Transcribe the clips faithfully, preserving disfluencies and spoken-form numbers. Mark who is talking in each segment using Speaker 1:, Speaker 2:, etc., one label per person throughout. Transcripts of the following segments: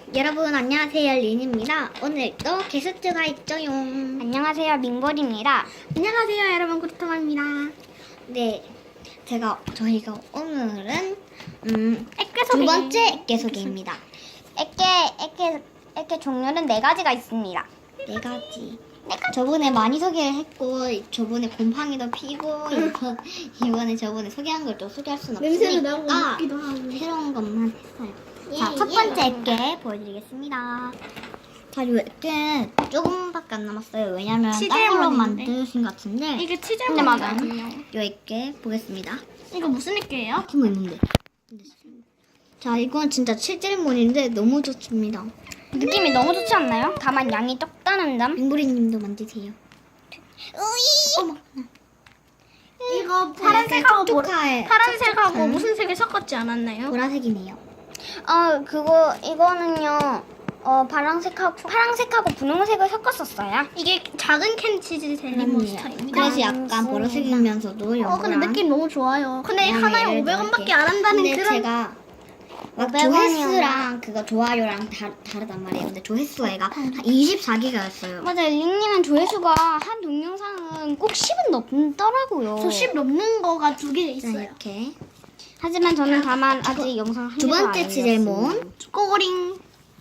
Speaker 1: 여러분 안녕하세요, 린입니다. 오늘도 게스트가 있죠요.
Speaker 2: 안녕하세요, 민볼입니다.
Speaker 3: 안녕하세요, 여러분. 구리통입니다.
Speaker 1: 네, 제가 저희가 오늘은 음,
Speaker 2: 액계
Speaker 1: 두 번째 액계 소개입니다.
Speaker 2: 액계, 액계, 액계 종류는 네 가지가 있습니다.
Speaker 1: 네 가지. 저번에 많이 소개를 했고 저번에 곰팡이도 피고 이번, 이번에 저번에 소개한 걸 또 소개할 수는
Speaker 3: 냄새도 나고
Speaker 1: 없으니까
Speaker 3: 먹기도 하고.
Speaker 1: 새로운 것만 했어요. 자,
Speaker 3: 예,
Speaker 1: 첫
Speaker 3: 예.
Speaker 1: 번째 액계 보여드리겠습니다. 자, 이 액계 조금밖에 안 남았어요. 왜냐면
Speaker 3: 치즈에
Speaker 1: 딴 걸로
Speaker 3: 먹는데?
Speaker 1: 만드신 것 같은데
Speaker 3: 이게 치즈
Speaker 2: 근데 맞아요.
Speaker 1: 이 액계 보겠습니다.
Speaker 3: 이거 무슨 액계예요?
Speaker 1: 팀뭐 있는데. 자, 이건 진짜 칠질몬인데 너무 좋습니다.
Speaker 2: 느낌이 너무 좋지 않나요? 다만 양이 적다는 점.
Speaker 1: 빙브리님도 만드세요. 어머,
Speaker 3: 이거 파란색하고 뭐,
Speaker 1: 촉촉해.
Speaker 3: 파란색하고
Speaker 1: 촉촉한
Speaker 3: 무슨 색을 섞었지 않았나요?
Speaker 1: 보라색이네요.
Speaker 2: 어, 그거, 이거는요, 어, 파란색하고, 파란색하고 분홍색을 섞었었어요.
Speaker 3: 이게 작은 캔 치즈 젤리 몬스터입니다.
Speaker 1: 그래서 약간 보라색이면서도
Speaker 3: 어, 근데
Speaker 1: 연구랑
Speaker 3: 느낌 너무 좋아요. 근데
Speaker 1: 그다음에
Speaker 3: 하나에
Speaker 1: 얘를
Speaker 3: 오백 원밖에
Speaker 1: 넣을게요.
Speaker 3: 안 한다는
Speaker 1: 근데
Speaker 3: 그런.
Speaker 1: 제가 막
Speaker 2: 오백 원이요.
Speaker 1: 조회수랑 그거 좋아요랑 다, 다르단 말이에요. 근데 조회수가 얘가 한 이십사 기가였어요.
Speaker 2: 맞아요. 링님은 조회수가 한 동영상은 꼭 십은 넘더라고요.
Speaker 3: 저 십 넘는 거가 두 개
Speaker 1: 자,
Speaker 3: 있어요.
Speaker 1: 이렇게
Speaker 2: 하지만 저는 다만 아직 영상 한
Speaker 1: 두
Speaker 2: 개도 안
Speaker 1: 번째
Speaker 2: 올렸습니다.
Speaker 1: 치젤몬.
Speaker 3: 꼬링.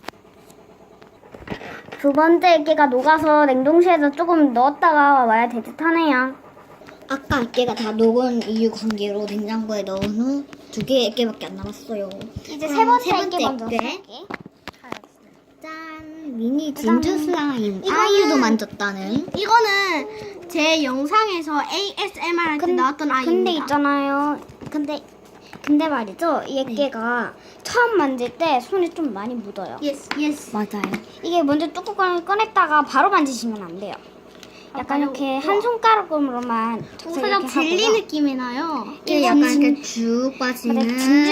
Speaker 2: 두 번째 액계가 녹아서 냉동실에서 조금 넣었다가 와야 될 듯하네요.
Speaker 1: 아까 액계가 다 녹은 이유 관계로 냉장고에 넣은 후 두 개의 액계밖에 안 남았어요.
Speaker 2: 이제
Speaker 1: 그럼
Speaker 2: 세 번째
Speaker 1: 세 번째
Speaker 2: 액계 먼저
Speaker 1: 액계.
Speaker 2: 쓸게.
Speaker 1: 짠! 미니
Speaker 2: 그다음에
Speaker 1: 진주 슬라임.
Speaker 3: 이거는-
Speaker 1: 아이유도 만졌다는.
Speaker 3: 이거는 제 영상에서 에이에스엠알 할 때 나왔던 아이입니다.
Speaker 2: 근데 있잖아요. 근데 근데 말이죠. 이 액계가 처음 만질 때 손에 좀 많이 묻어요.
Speaker 3: 예스, 예스.
Speaker 1: 맞아요.
Speaker 2: 이게 먼저 뚜껑을 꺼냈다가 바로 만지시면 안 돼요. 약간
Speaker 3: 아,
Speaker 2: 이렇게
Speaker 3: 바로-
Speaker 2: 한 손가락으로만 탁
Speaker 3: 살짝
Speaker 2: 이렇게
Speaker 3: 젤리
Speaker 2: 하고요.
Speaker 3: 느낌이 나요.
Speaker 1: 이게
Speaker 2: 이건
Speaker 1: 약간
Speaker 2: 진-
Speaker 1: 이렇게 쭉 빠지는.
Speaker 2: 맞아, 진주.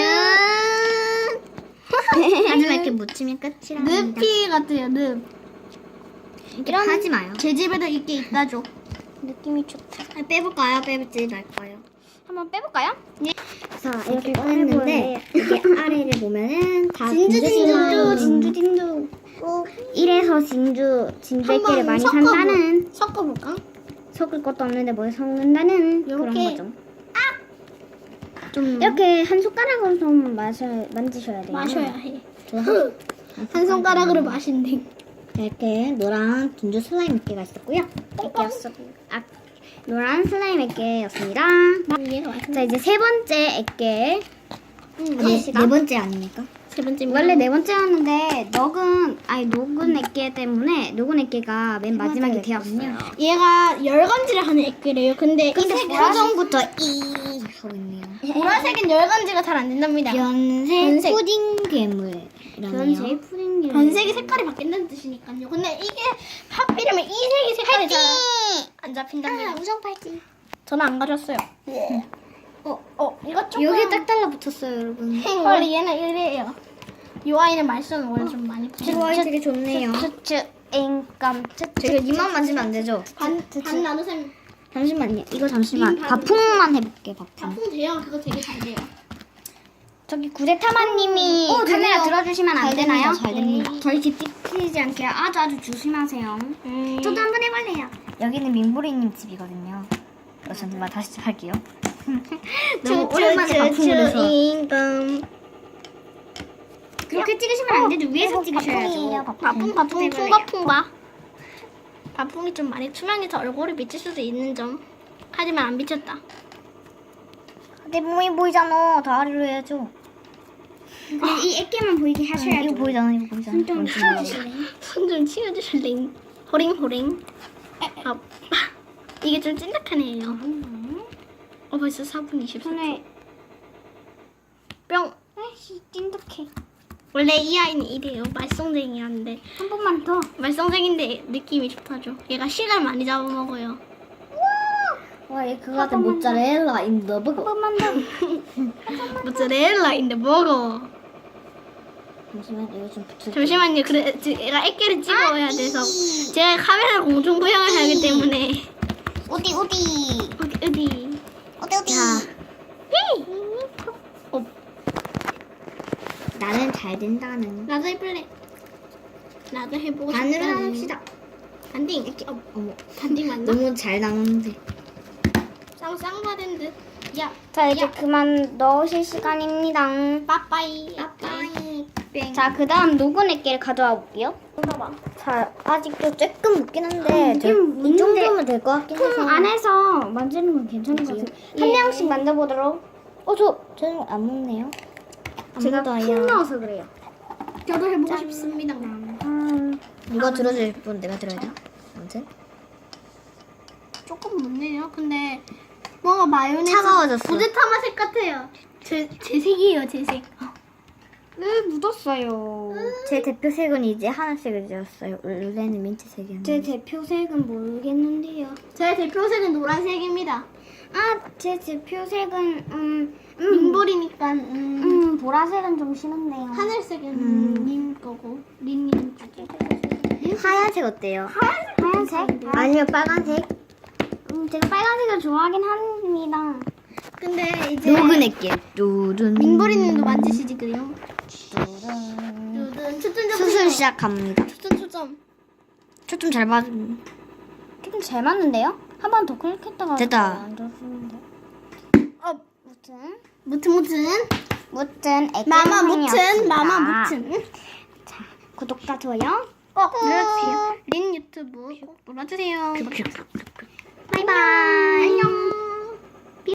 Speaker 1: 하지만 이렇게 묻히면 끝이랍니다.
Speaker 3: 늪이 같아요, 늪.
Speaker 1: 이렇게
Speaker 2: 이런-
Speaker 1: 하지 마요.
Speaker 3: 제 집에도 있게 있다죠.
Speaker 2: 느낌이 좋다.
Speaker 1: 아, 빼볼까요? 빼볼지 말까요?
Speaker 2: 한번 빼볼까요?
Speaker 1: 자, 이렇게 꺼냈는데 이게 아래를 보면은 다
Speaker 3: 진주,
Speaker 1: 진주
Speaker 3: 진주,
Speaker 1: 슬라임.
Speaker 2: 진주 진주. 이래서 진주 진주
Speaker 3: 한번
Speaker 2: 액계를 많이
Speaker 3: 섞어보-
Speaker 2: 산다는,
Speaker 3: 섞어볼까?
Speaker 2: 섞을 것도 없는데 뭘 섞는다는 그런
Speaker 3: 요렇게.
Speaker 2: 거죠.
Speaker 3: 좀
Speaker 2: 이렇게 한 손가락으로 좀 마셔 만지셔야 돼요.
Speaker 3: 마셔야 해.
Speaker 1: 저 한,
Speaker 3: 한 손가락으로 마신대.
Speaker 1: 이렇게 노란 진주 슬라임 몇 개가 있었고요.
Speaker 2: 액계였어. 아, 노란 슬라임 액계였습니다.
Speaker 3: 얘가 맛있네.
Speaker 2: 자, 이제 세 번째 액계.
Speaker 1: 네, 네 번째 아닙니까?
Speaker 3: 세 번째
Speaker 2: 원래 네 번째였는데 녹은 아니 녹은 액계 때문에 녹은 액계가 맨 마지막에 되었어요.
Speaker 3: 얘가 열간지를 하는 액기래요. 근데 이
Speaker 1: 근데
Speaker 3: 색은
Speaker 1: 표정부터 이 하고 있네요.
Speaker 3: 보라색은 열간지가 잘 안 된답니다.
Speaker 1: 변색,
Speaker 3: 변색.
Speaker 1: 푸딩 괴물이라네요.
Speaker 2: 변색 푸딩.
Speaker 3: 변색이 색깔이 바뀐다는 뜻이니까요. 근데 이게 하필이면 이 색이 색깔이 잘 안 잡힌답니다.
Speaker 1: 우정 팔찌.
Speaker 3: 저는 안 가졌어요. 어, 어, 이거 조금
Speaker 1: 여기에 딱 달라붙었어요, 여러분.
Speaker 3: 원래 얘는 이래요. 이 아이는 말썽을 원래 좀 많이 부려.
Speaker 1: 이 아이 되게 좋네요.
Speaker 2: 츠츠 인감 츠츠.
Speaker 1: 제가 이만 만지면 안 되죠?
Speaker 3: 반, 반 나누셈.
Speaker 1: 잠시만요. 이거 잠시만.
Speaker 3: 님 반-
Speaker 1: 바풍만 해볼게, 바풍.
Speaker 3: 바풍 돼요. 그거 되게 잘 돼요.
Speaker 2: 저기 구대타마님이
Speaker 1: 어,
Speaker 2: 카메라
Speaker 1: 되네요.
Speaker 2: 들어주시면 안
Speaker 1: 잘
Speaker 2: 되나요?
Speaker 1: 됩니다, 잘 됩니다.
Speaker 2: 저희 집 띠키지 않게 아주 아주 조심하세요.
Speaker 3: 음.
Speaker 2: 저도 한번 해볼래요.
Speaker 1: 여기는 민보리님 집이거든요. 어, 잠시만 다시 할게요.
Speaker 2: 너무
Speaker 1: 너무 오랜만에 바풍을 해서.
Speaker 3: 인감.
Speaker 2: 그렇게 찍으시면 안 되죠. 위에서 찍으셔야죠.
Speaker 3: 바풍 바풍 풍바풍바. 바풍이 좀 많이 투명해서 얼굴이 비칠 수도 있는 점. 하지만 안 비쳤다.
Speaker 2: 내 몸이 보이잖아. 다리로 해야죠. 근데 이 액계만 보이게 하셔야죠.
Speaker 1: 이거 보이잖아, 이거 보이잖아.
Speaker 2: 손좀
Speaker 1: 뭔지
Speaker 2: 치워주실래요?
Speaker 3: 손 좀 치워주실래? 호링 호링. 아, 이게 좀 찐득하네요. 어 벌써 사 분 이십사 초.
Speaker 2: 손에
Speaker 3: 뿅.
Speaker 2: 아이씨 찐득해.
Speaker 3: 원래 이 아이는 이래요. 말썽쟁이라는데
Speaker 2: 한 번만 더.
Speaker 3: 말썽쟁인데 느낌이 좋다죠. 얘가 시간 많이 잡아먹어요.
Speaker 1: 와, 얘 그거 같은 모짜렐라 인더
Speaker 2: 한
Speaker 1: 버거.
Speaker 2: 번만 더.
Speaker 3: 모짜렐라인데 먹어.
Speaker 1: 잠시만, 이거 좀 붙여.
Speaker 3: 잠시만요. 그래, 지- 얘가 액계를 찍어야 돼서 제가 카메라 공중 부양을 해야 하기 때문에
Speaker 2: 어디 어디
Speaker 3: 어디 어디.
Speaker 2: 어디 어디.
Speaker 1: 자,
Speaker 3: 어,
Speaker 1: 나는 잘 된다는.
Speaker 3: 나도 해볼래. 나도 해보고
Speaker 1: 반으로
Speaker 3: 싶다.
Speaker 1: 나눕시다.
Speaker 3: 반딩.
Speaker 1: 이렇게
Speaker 3: 어,
Speaker 1: 어머
Speaker 3: 반딩 맞나?
Speaker 1: 너무 잘 나오는데.
Speaker 3: 쌍쌍바된 듯. 야,
Speaker 2: 자 이제
Speaker 3: 야.
Speaker 2: 그만 넣으실 시간입니다.
Speaker 3: 빠빠이.
Speaker 1: 빠빠이 뺑.
Speaker 2: 자 그다음 녹은 액기를 가져와 볼게요.
Speaker 3: 봐봐.
Speaker 2: 자 아직도 조금 묻긴 한데
Speaker 1: 음,
Speaker 2: 저- 이
Speaker 1: 묻는데
Speaker 2: 정도면 될 것 같긴 해서
Speaker 3: 통
Speaker 2: 안에서 만지는 건 괜찮은 것 같아요. 한 명씩 만져보도록. 어저
Speaker 1: 저는 안 먹네요.
Speaker 2: 제가
Speaker 1: 묻어요.
Speaker 2: 푹 넣어서 그래요.
Speaker 3: 저도 해보고 싶습니다.
Speaker 2: 음,
Speaker 1: 누가 들어줄 분 내가 들어야 돼. 아무튼
Speaker 3: 조금 묻네요. 근데 뭔가 마요네즈
Speaker 1: 차가워졌어.
Speaker 3: 부드타 맛색 같아요. 제, 제 색이에요, 제 색.
Speaker 2: 네 묻었어요.
Speaker 1: 제 대표색은 이제 하나씩을 지었어요. 원래는 민트색이었는데.
Speaker 2: 제 대표색은 모르겠는데요.
Speaker 3: 제 대표색은 노란색입니다.
Speaker 2: 아 제 대표색은 음, 음,
Speaker 3: 민볼이니까 음,
Speaker 2: 음 보라색은 좀 싫은데요.
Speaker 3: 하늘색은
Speaker 1: 음.
Speaker 3: 님 거고 린님
Speaker 1: 하얀색 어때요?
Speaker 2: 하얀색?
Speaker 1: 아니면 빨간색?
Speaker 2: 음, 제가 빨간색을 좋아하긴 합니다.
Speaker 3: 근데 이제
Speaker 1: 녹은 액기. 뚜둔.
Speaker 3: 민볼이님도 만지시지 그래요?
Speaker 2: 뚜둔.
Speaker 3: 두둔 초점
Speaker 1: 수술 시작합니다.
Speaker 3: 초점 초점.
Speaker 1: 초점 잘 받.
Speaker 2: 조금 잘 맞는데요? 한 번 더 클릭했다가
Speaker 1: 됐다.
Speaker 2: 안 좋았는데.
Speaker 3: 어
Speaker 2: 무튼
Speaker 3: 무튼 무튼
Speaker 2: 무튼 액기
Speaker 3: 마마 무튼
Speaker 2: 영상이었습니다.
Speaker 3: 마마 무튼.
Speaker 2: 구독과 좋아요
Speaker 3: 꼭 눌러주세요. 린 유튜브 꼭 눌러주세요.
Speaker 1: 큐큐.
Speaker 3: 바이바이. 안녕.